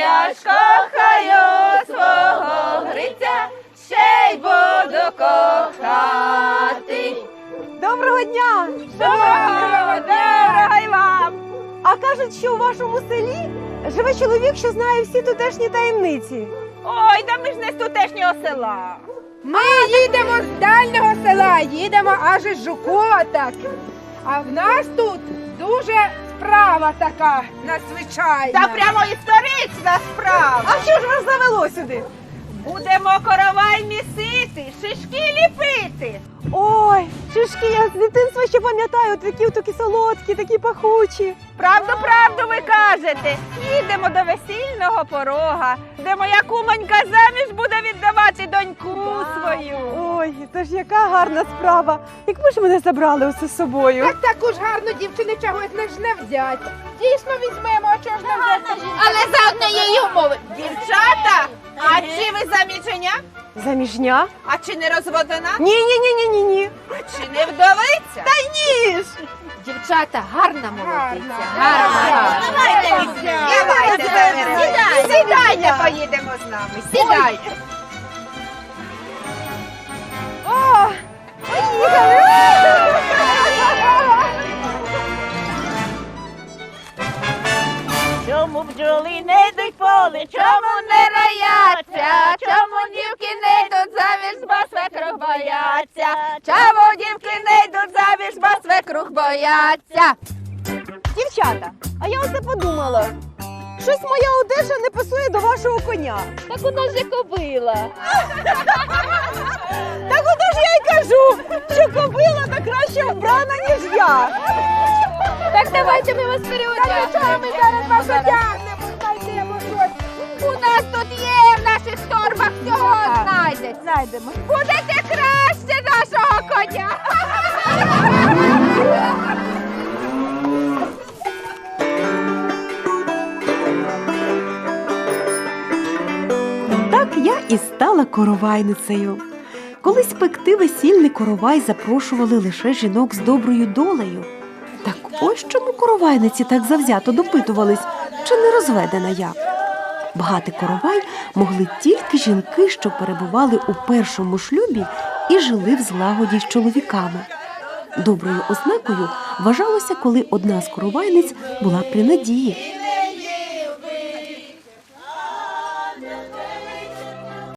я ж кохаю свого Гриця, ще й буду кохати. Доброго дня! Доброго й вам! А кажуть, що у вашому селі живе чоловік, що знає всі тутешні таємниці. Ой, да ми ж не з тутешнього села. Ми їдемо з дальнього села, їдемо аж із Жукоток. А в нас тут дуже справа така надзвичайна. Та прямо історична справа. А що ж вас завело сюди? Будемо коровай місити, шишки ліпити. Ой, шишки, я з дитинства ще пам'ятаю, такі солодкі, такі пахучі. Правду ви кажете. Їдемо до весільного порога, де моя кумонька заміж буде віддавати доньку свою. Ой, це ж яка гарна справа. Якби ж мене забрали усе з собою. Так таку ж гарну дівчину чогось не взять. Дійсно візьмемо, а чого ж не взяти? Але за однієї умови. Дівчата, а чи ви заміження? Заміжня? А чи не розводена? Ні. А чи не вдовиця? Та ні ж! Дівчата, гарна молодиця. Гарна. Сідайте, поїдемо з нами. Сідайте. О, поїхали! Чому бджоли не йдуть в поле, чому не рояться, чому дівки не йдуть заміж, бо свекрух бояться, чому дівки не йдуть заміж, бо свекрух бояться. Дівчата, а я оце подумала. Щось моя одежа не пасує до вашого коня. Так у нас же кобила. Так ото ж я й кажу, що кобила та краще вбрана, ніж я. Так давайте ми вас переодягнемо. Ми зараз вас одягнемо, знайдемо щось. У нас тут є в наших торбах всього знайдеться. Знайдемо. Будете краще нашого коня. Так я і стала коровайницею. Колись пекти весільний коровай запрошували лише жінок з доброю долею. Так ось чому коровайниці так завзято допитувались, чи не розведена я. Багатий коровай могли тільки жінки, що перебували у першому шлюбі і жили в злагоді з чоловіками. Доброю ознакою вважалося, коли одна з коровайниць була при надії.